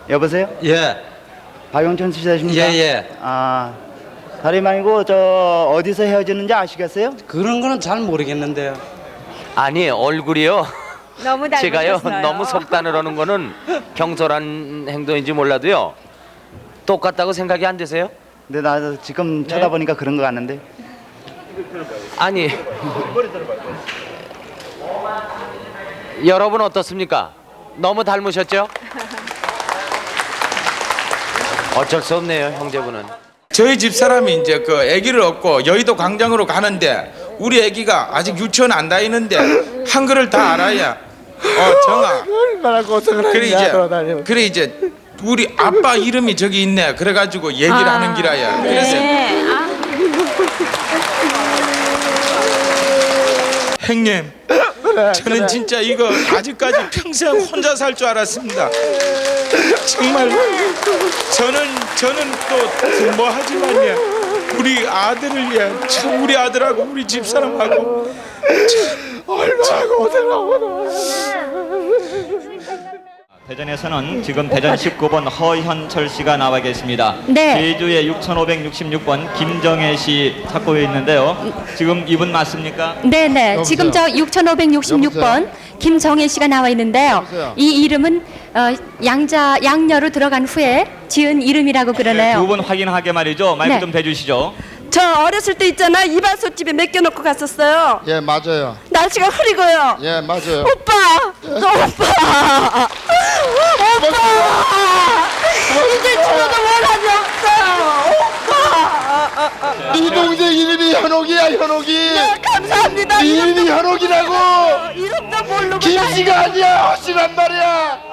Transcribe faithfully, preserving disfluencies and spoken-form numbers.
여보세요? 예, 박용천 씨십니까? 예, 예. 아, 다름 아니고 저 어디서 헤어지는지 아시겠어요? 그런 거는 잘 모르겠는데요. 아니 얼굴이요. 너무 제가요 닮으셨어요. 너무 속단을 하는 거는 경솔한 행동인지 몰라도요 똑같다고 생각이 안 되세요? 근데 나 지금 쳐다보니까 그런 거 같는데. 아니 여러분 어떻습니까? 너무 닮으셨죠? 어쩔 수 없네요 형제분은. 저희 집 사람이 이제 그 아기를 얻고 여의도 광장으로 가는데 우리 아기가 아직 유치원 안 다니는데 한글을 다 알아야 어 정아 얼마나 고생을 그래 했냐 이제 돌아다니면. 그래 이제 우리 아빠 이름이 저기 있네 그래가지고 얘기를 아, 하는 기라야 그래서 네. 아, 형님 저는 진짜 이거 아직까지 평생 혼자 살 줄 알았습니다. 정말 저는 저는 또 뭐 하지만요 우리 아들을 위해 참 우리 아들하고 우리 집사람하고 얼마나 고생하고. 대전에서는 지금 대전 십구 번 허현철 씨가 나와 계십니다. 네. 제주의 육천오백육십육 번 김정혜 씨 찾고 있는데요. 지금 이분 맞습니까? 네네. 지금 저 육천오백육십육 번 김정혜 씨가 나와 있는데요. 이 이름은 어, 양자 양녀로 들어간 후에 지은 이름이라고 그러네요. 두 분 확인하게 말이죠. 마이크 네. 좀 대주시죠. 저 어렸을 때 있잖아 이발소집에 맡겨놓고 갔었어요. 예 맞아요. 날씨가 흐리고요. 예 맞아요. 오빠, 너 오빠, 오빠, 이제 죽어도 원한이 없어요. 오빠. 네 동생 이름이 현옥이야 현옥이. 네, 감사합니다. 네 이름이 현옥이라고. 이름도 모르고 김씨가 아니야 허씨란 말이야.